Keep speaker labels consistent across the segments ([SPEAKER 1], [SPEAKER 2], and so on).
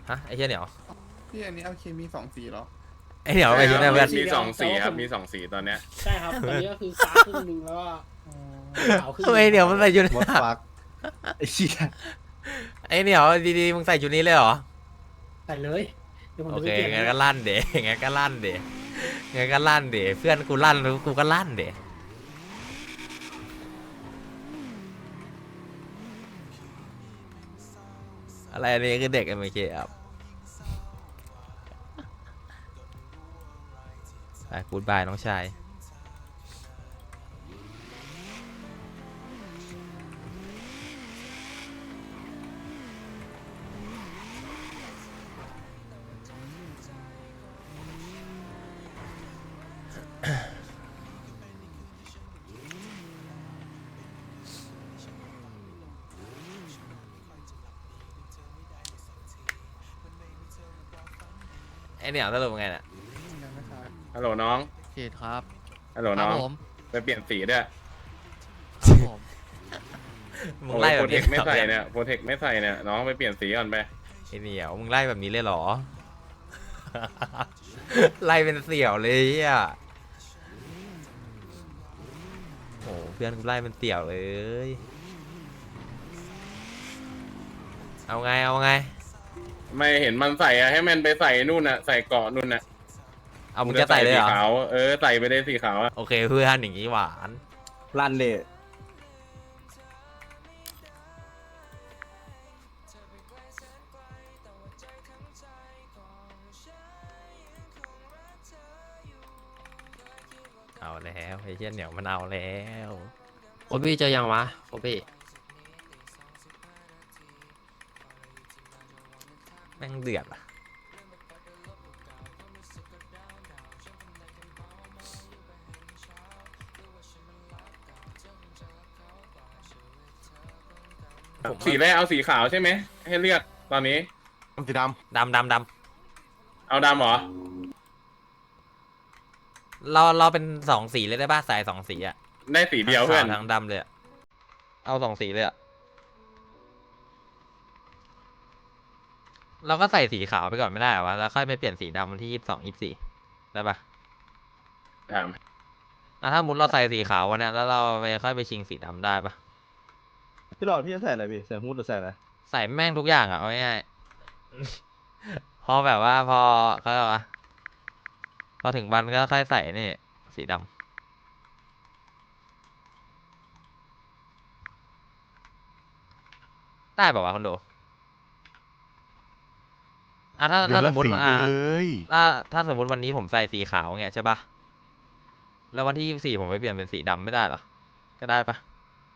[SPEAKER 1] ฮะไอ้เหี้ยเหนียว
[SPEAKER 2] พี่อันนี้เอาเคมี2 สีเหรอ
[SPEAKER 1] ไอ้เหนียวไปชุดไหนเพื่อน
[SPEAKER 3] มี2 สีครับมี2 สีตอนเนี้ย
[SPEAKER 4] ใช่ครับตอนนี้ก็คือฟ้าครึ่งหนึงแล้วก็ขาวครึ่งห
[SPEAKER 1] ทำ
[SPEAKER 4] นึ่ง
[SPEAKER 1] ไมเหนียวมันใส่ชุด
[SPEAKER 5] มดฟักไอ้เหี้ย
[SPEAKER 1] ไอ้เหนียวดีๆมึงใส่ชุดนี้เลยเหรอ
[SPEAKER 4] ใส่เลยเดี๋ยวผม
[SPEAKER 1] โอ
[SPEAKER 4] จะ
[SPEAKER 1] เค
[SPEAKER 4] ไปเปลี่ยน
[SPEAKER 1] งั้นก็ลั่นเด๋งั้นก็ลั่นเด๋งั้นก็ลั่นเด๋เพื่อนกูลั่นกูก็ลั่นเด๋อะไรอันนี้คือเด็ก MK ครับไปกูดบายน้องชายไอ้เหนียวสรุปไงเนี่ย
[SPEAKER 3] ฮัลโหลน้อง
[SPEAKER 6] เขตครับ
[SPEAKER 3] ฮัลโหล
[SPEAKER 6] ครั
[SPEAKER 3] น้
[SPEAKER 6] บ
[SPEAKER 3] อง
[SPEAKER 6] ผม
[SPEAKER 3] ไปเปลี่ยนสีด้วย
[SPEAKER 6] ครับผม
[SPEAKER 1] มึงไล่แบ
[SPEAKER 3] โปร
[SPEAKER 1] บ
[SPEAKER 3] เท
[SPEAKER 1] นี้
[SPEAKER 3] คไม่ใส่เนี่ยโปรเทคไม่ใส่เนี่ยน้องไปเปลี่ยนสีก่อนไป
[SPEAKER 1] ไอ้เหนียวมึงไล่แบบนี้เลยเหรอ ไล่เป็นเสี่ยวเลยอ่ะโอ้เพื่อนกูไล่เป็นเสี่ยวเลย เอาไงเอาไง
[SPEAKER 3] ไม่เห็นมันใส่อะให้มันไปใส่นู่นน่ะใส่เกาะนู่นน่ะ
[SPEAKER 1] เอามึงจะใส่เลยเหรอ
[SPEAKER 3] สีขาวใส่ไปเลยสีขาวอะ
[SPEAKER 1] โอเคเพื่อนอย่างนี้หวาน
[SPEAKER 5] ลั่นเลย
[SPEAKER 1] เอาแล้วไอ้เชี่ยเหนียวมันเอาแล้ว
[SPEAKER 6] โอบี้เจอยังวะโอบี้
[SPEAKER 1] แม่งเดือดอ่ะ
[SPEAKER 3] สีแรกเอาสีขาวใช่ไหมให้เลือกตอนนี้
[SPEAKER 5] สีด
[SPEAKER 1] ดำดำ
[SPEAKER 3] เอาดำเหรอ
[SPEAKER 1] เราเป็นสองสีเลยได้ป่ะใส่สองสีอ่ะ
[SPEAKER 3] ได้สีเดียวเพื่อน
[SPEAKER 1] ทั้งขาวทั้งดำเลยอะเอาสองสีเลยอ่ะเราก็ใส่สีขาวไปก่อนไม่ได้เหรอวะแล้วค่อยไปเปลี่ยนสีดำวันที่22 24ได้ป่ะ
[SPEAKER 3] ถาม
[SPEAKER 1] ถ้ามุดเราใส่สีขาววันเนี้ยแล้วเราไปค่อยไปชิงสีดำได้ป่ะ
[SPEAKER 5] ำพี่หลอดพี่จะใส่อะไรพี่ใส่ฮู้ดหรือใส่อะไร
[SPEAKER 1] ใส่แม่งทุกอย่างอ่ะเอาง่ายๆ พอแบบว่าพอเขาเรียกว่าพอถึงวันก็ค่อยใส่นี่สีดำได้ป่าวะคอนโดถ้าสมมติถ้าสมมติวันนี้ผมใส่สีขาวเงี้ยใช่ป่ะแล้ววันที่24ผมไปเปลี่ยนเป็นสีดำไม่ได้เหรอก็ได้ป่ะ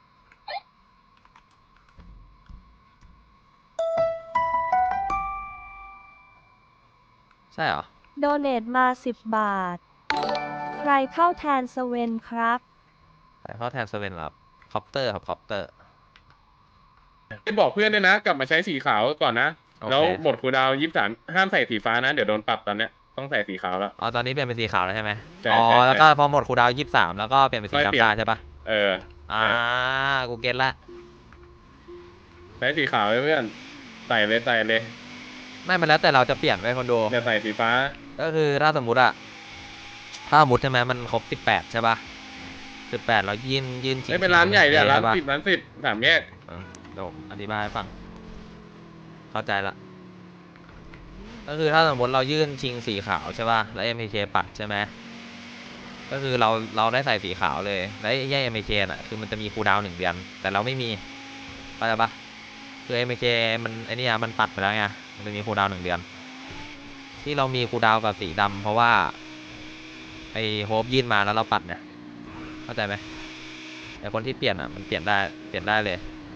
[SPEAKER 1] ใช่เหรอ
[SPEAKER 7] โดเนทมา10 บาท ใครเข้าแทนสเวนครับ
[SPEAKER 1] ใส่เข้าแทนเซเว่นครับคอปเตอร์ครับคอปเตอร์
[SPEAKER 3] ไปบอกเพื่อนด้วยนะ กลับมาใช้สีขาวก่อนนะ
[SPEAKER 1] โอเค
[SPEAKER 3] แล้วหมดคูลดาวน์23ห้ามใส่สีฟ้านะ เดี๋ยวโดนปรับตอนเนี้ยต้องใส่สีขาวแล้ว
[SPEAKER 1] อ๋อตอนนี้เปลี่ยนเป็นสีขาวแล้วใช่ไหม
[SPEAKER 3] ใช่
[SPEAKER 1] อ๋อ
[SPEAKER 3] ใช่
[SPEAKER 1] แล้วก็พอหมดคูลดาวน์23แล้วก็เปลี่ยนเป็นสี
[SPEAKER 3] ค่อยเปลี่ยน
[SPEAKER 1] ดำได้ใช่ปะ
[SPEAKER 3] เออ
[SPEAKER 1] กูเก็ตละ
[SPEAKER 3] ใช้สีขาวเลยเพื่อนใส่เลยใส่เลย
[SPEAKER 1] ไม่มันแล้วแต่เราจะเปลี่ยนไปคอนโด
[SPEAKER 3] อย่าใส่สีฟ้า
[SPEAKER 1] ก็คือถ้าสมมุติอะถ้าสมมติใช่ไหมมันครบ18ใช่ปะ18เรายื่นชิง
[SPEAKER 3] ไม่เป็นร้านใหญ่เนี่ยร้าน
[SPEAKER 1] ใช่ปะ
[SPEAKER 3] 10ร้าน10 3 แยก
[SPEAKER 1] เดี๋ยวผมอธิบายให้ฟัง เข้าใจละ ก็คือถ้าสมมติเรายื่นชิงสีขาวใช่ป่ะ แล้ว MPK ปัดใช่ไหม ก็คือเราได้ใส่สีขาวเลย แล้วแย่ MPK น่ะ คือมันจะมีคูลดาวน์1 เดือน แต่เราไม่มีเข้าใจปะคือ MPK มันไอ้นี่มันปัดไปแล้วไง มันจะมีคูลดาวน์1 เดือน ที่เรามีคูลดาวน์กับสีดำเพราะว่าไอ้โฮปยื่นมาแล้วเราปัดเนี่ย เข้าใจไหมแต่คนที่เปลี่ยนอ่ะมันเปลี่ยนได้เลย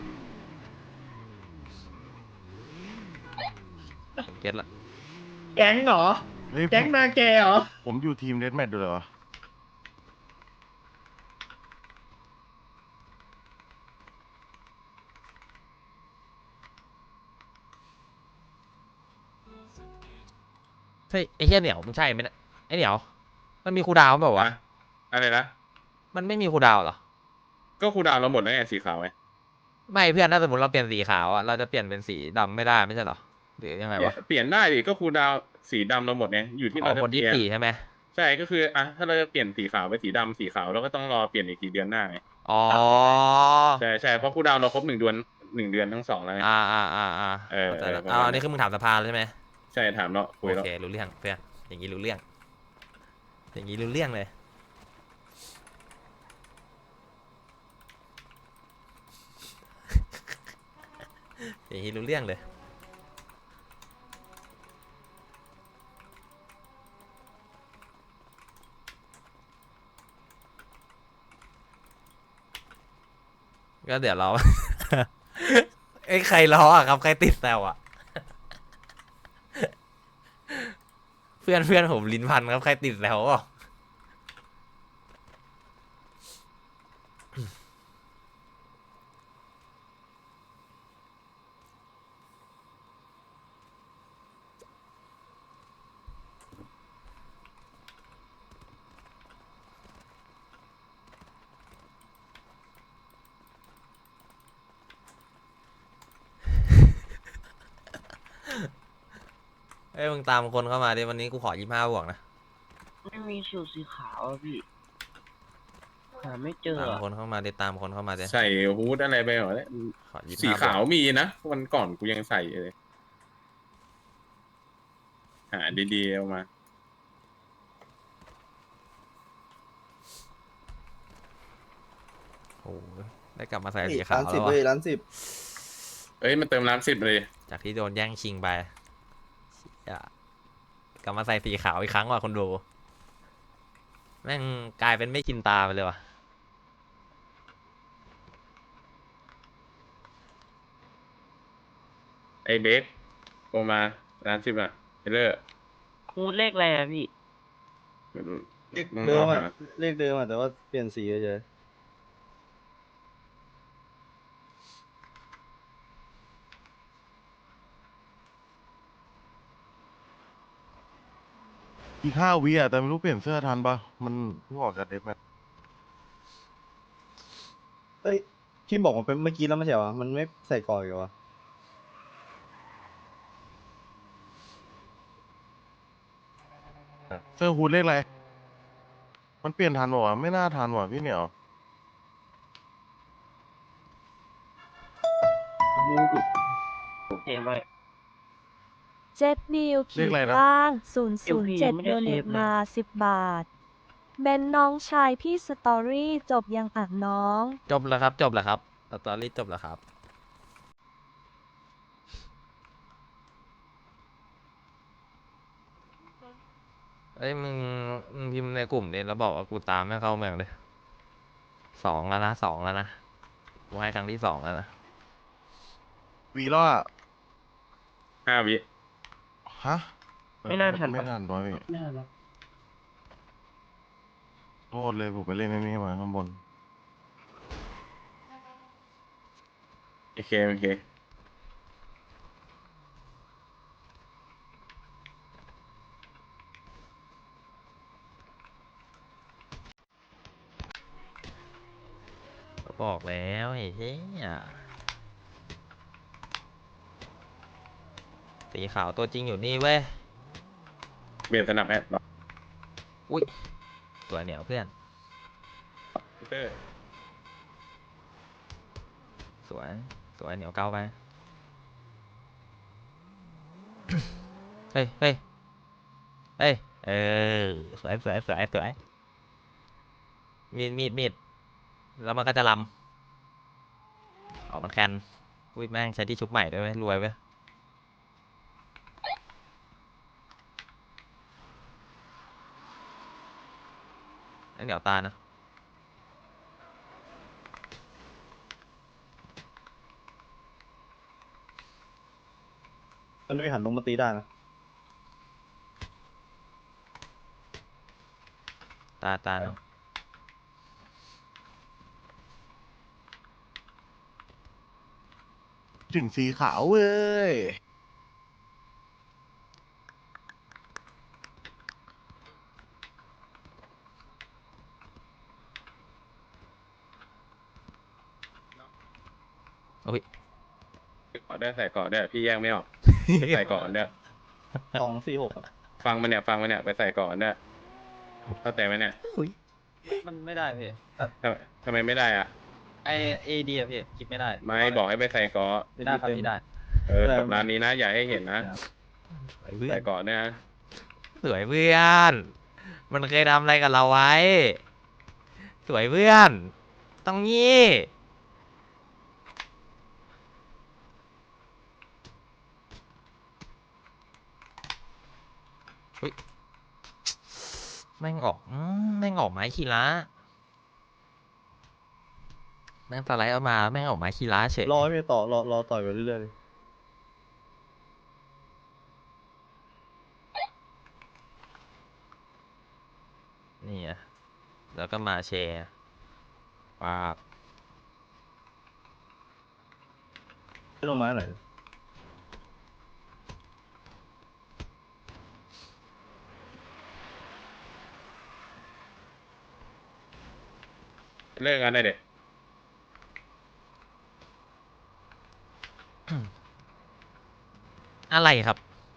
[SPEAKER 1] ผมเก็ตละ
[SPEAKER 4] แก๊งเหรอ
[SPEAKER 5] เฮ้ย
[SPEAKER 4] แก๊งนาแกเหรอ
[SPEAKER 5] ผมอยู่ทีมเรดแมทด้วยเหรอ
[SPEAKER 1] เฮ้ยไอ้เหี้ยเหนียวมึงใช่ไหมเนี่ยไอ้เหนียวมันมีคูลดาวน์เปล่าวะ
[SPEAKER 3] อะไรนะ
[SPEAKER 1] มันไม่มีคูลดาวน์เหรอ
[SPEAKER 3] ก็คูลดาวน์เราหมดแล้วไงสีขาวไง
[SPEAKER 1] ไม่เพื่อนถ้าสมมติเราเปลี่ยนสีขาวอ่ะเราจะเปลี่ยนเป็นสีดำไม่ได้ไม่ใช่เหรอหรือยังไง
[SPEAKER 3] เปลี่ยน
[SPEAKER 1] วะ
[SPEAKER 3] เปลี่ยนได้ดิก็คูลดาวน์สีดำเราหมดเนี่ยอยู่ที่
[SPEAKER 1] อ๋
[SPEAKER 3] เรา
[SPEAKER 1] อ
[SPEAKER 3] จะ
[SPEAKER 1] คน
[SPEAKER 3] เป
[SPEAKER 1] ที่
[SPEAKER 3] ลี่ยน
[SPEAKER 1] 4ใช่ไหม
[SPEAKER 3] ใช่ก็คืออ่ะถ้าเราจะเปลี่ยนสีขาวไปสีดำสีขาวเราก็ต้องรอเปลี่ยนอีกกี่เดือนหน้าไง
[SPEAKER 1] อ๋อ
[SPEAKER 3] ใช่ใช่เพราะคูลดาวน์เราครบ1 เดือนทั้ง 2แล้วไง
[SPEAKER 1] เข้าใจแล้ว
[SPEAKER 3] ประมาณ
[SPEAKER 1] อันนี้คือมึงถามสภาแล้วใช่ไหม
[SPEAKER 3] ใช่ถามเนาะคุย
[SPEAKER 1] โอ
[SPEAKER 3] แล้ว
[SPEAKER 1] เครู้เรื่องเพื่อนอย่างนี้รู้เรื่อง อย่างนี้รู้เรื่องเลย อย่างนี้รู้เรื่องเลย ก็เดี๋ยวเรา เอ้ยใครล้ออ่ะครับใครติดแซวอ่ะ เพื่อนเพื่อนผมลิ้นพันครับใครติดแซวอ่ะ เอ้ยมึงตามคนเข้ามาดิวันนี้กูขอ25 บวกนะ
[SPEAKER 8] ไม่มีสูตรสีขาวอะพี่ หาไม่เจอ
[SPEAKER 1] ตาม
[SPEAKER 8] อะ
[SPEAKER 1] คนเข้ามาดิตามคนเข้ามาดิ
[SPEAKER 3] ใส่ฮูดอะไรไปหมดแล้ว
[SPEAKER 1] ขอ25
[SPEAKER 3] สีขาว
[SPEAKER 1] บก
[SPEAKER 3] มีนะวันก่อนกูยังใส่เลย หาดีๆเอามา
[SPEAKER 1] โอ้โหได้กลับมาใส่สีขาว
[SPEAKER 5] ร้าน
[SPEAKER 1] แล้
[SPEAKER 5] 10
[SPEAKER 1] ว
[SPEAKER 5] เว้ย
[SPEAKER 1] วะ
[SPEAKER 5] ร้าน 10
[SPEAKER 3] เอ้ยมันเติมร้าน10เลย
[SPEAKER 1] จากที่โดนแย่งชิงไปเชี่ยกลับมาใส่สีขาวอีกครั้งว่ะคนดู แม่งกลายเป็นไม่ชินตาไปเลยว่ะ
[SPEAKER 3] ไอ้เบคโทรมาร้าน 10อ่ะเทเลอร์
[SPEAKER 8] ฮูดเลขอะไรอะพี่
[SPEAKER 5] เลขเดิมอ่ะ เลขเดิมอ่ะ แต่ว่าเปลี่ยนสีเฉย
[SPEAKER 9] อีก5 วิอ่ะแต่ไม่รู้เปลี่ยนเสื้อทันปะมันเพิ่งออกจากเดฟแมท
[SPEAKER 5] เอ้ยที่บอกมันเป็นเมื่อกี้แล้วไม่ใช่เหรอ มันไม่ใส่ก่อนอีกเหรอวะ
[SPEAKER 9] เสื้อฮูดเลขอะไร มันเปลี่ยนทันปะวะไม่น่าทันว่ะพี่เหนียว
[SPEAKER 8] เห็นไหม
[SPEAKER 7] เจ็ดนิว
[SPEAKER 9] เรียกอะไรนะ
[SPEAKER 7] ล่าง
[SPEAKER 8] LP
[SPEAKER 7] 007
[SPEAKER 8] ไม่
[SPEAKER 7] โด
[SPEAKER 8] ได้
[SPEAKER 7] เน
[SPEAKER 8] เซ
[SPEAKER 7] ต
[SPEAKER 8] ฟเลย
[SPEAKER 7] มา 10 บาท เบนน้องชายพี่สตอรี่จบยังอ่ะน้อง
[SPEAKER 1] จบแล้วครับ จบแล้วครับสตอรี่จบแล้วครับ เอ้ยมึงพิมพ์ในกลุ่มดิแล้วบอกว่ากูตามไม่เข้าเมืองเลย2 แล้วนะ2 แล้วนะกูให้ครั้งที่ 2 แล้วนะ
[SPEAKER 9] วีล่อ
[SPEAKER 3] 5 วิ
[SPEAKER 9] ฮะ
[SPEAKER 8] ไม่น่าทันปะ
[SPEAKER 9] ไม่ทันตัวพี่
[SPEAKER 4] น่ารัก
[SPEAKER 9] โทษเลยผมไปเล่นไอ้นี่มาข้างบน
[SPEAKER 3] โอเคโอเค
[SPEAKER 1] ก็บอกแล้วไอ้เหี้ยสีขาวตัวจริงอยู่นี่เว้ย
[SPEAKER 3] เปลี่ยนสนับแอดหรอ
[SPEAKER 1] อุ้ยตัวเหนียวเพื่อน
[SPEAKER 3] พีเตอร์
[SPEAKER 1] สวย สวยเหนียวเก้าไป เฮ้ย เฮ้ย เฮ้ย เออ สวย สวย สวย สวย มีด แล้วมันก็จะลำ ออกมันแคนอุ้ยแม่งใช้ที่ชุบใหม่ด้วยเว้ยรวยเว้ยไอ้เหนียวตานะ
[SPEAKER 5] มันไม่หันลงมาตีได้นะ
[SPEAKER 1] ตานะ
[SPEAKER 9] ถึงสีขาวเว้ย
[SPEAKER 1] โอ้ย
[SPEAKER 3] เกาะได้ใส่เกาะได้พี่แยกไม่ออกใส่ก่อนเนี่ย
[SPEAKER 5] 246ครับ
[SPEAKER 3] ฟังมันเนี่ยฟังมันเนี่ยไปใส่ก่อนเนี่ยเข้าใจไหมเนี่ย
[SPEAKER 1] มันไม่ได้พี่
[SPEAKER 3] ทำไมไม่ได้อ่ะ
[SPEAKER 1] ไอเอดีอะพี่คิดไม่ได้
[SPEAKER 3] ไม่บอกให้ไปใส่ก่อน
[SPEAKER 1] ได้ครับพี่ได้
[SPEAKER 3] สัปดาห์นี้นะอย่าให้เห็นนะ
[SPEAKER 1] สวยเพื่อ
[SPEAKER 3] ใส่
[SPEAKER 1] น
[SPEAKER 3] ก่อนเนี่ยนะ
[SPEAKER 1] สวยเพื่อน มันเคยทำอะไรกับเราไว้ สวยเพื่อน ต้องงี้อุ๊ยแม่งออกแม่งออกไม้คีระแม่งสไลด์เอามาแม่งออกไม้คีระเฉย
[SPEAKER 5] รอให้พี่ต่อรอต่อยไปเรื่อยๆเลย
[SPEAKER 1] นี่อะแล้วก็มาแชร์ปาบ
[SPEAKER 5] ไม่ลงไม้ไหนอย
[SPEAKER 3] เลิกกันได้เด็ด
[SPEAKER 1] อะไรครับ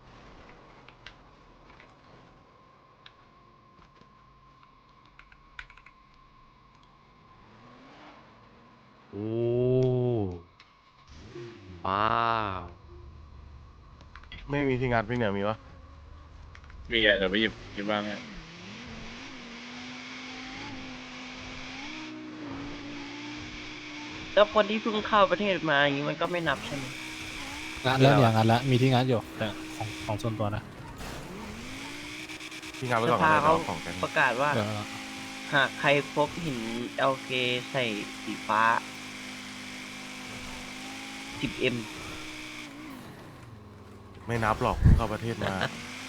[SPEAKER 6] โอ้ว้าว
[SPEAKER 9] ไม่มีที่งัดพี่เหนียวมีวะ
[SPEAKER 3] มีอ่ะเดี๋ยวไปหยิบบ้างเนี่ย
[SPEAKER 8] แล้วคนที่เพิ่งเข้าประเทศมาอย่างนี้มันก็ไม่นับใช่ไหม
[SPEAKER 10] งานแล้วเนี่ยงานแล้วมีที่งานอยู่แต่ของส่วนตัวนะ
[SPEAKER 9] ที่งัดไว้
[SPEAKER 8] ส
[SPEAKER 9] ก่อน
[SPEAKER 8] ภา
[SPEAKER 9] ก็ได้
[SPEAKER 8] เขา
[SPEAKER 9] เอาของกัน
[SPEAKER 8] ประกาศว่า
[SPEAKER 10] เดี๋ยว
[SPEAKER 8] หากใครพบหิน LK ใส่สีฟ้า 10M
[SPEAKER 9] ไม่นับหรอกเพิ่งเข้าประเทศมา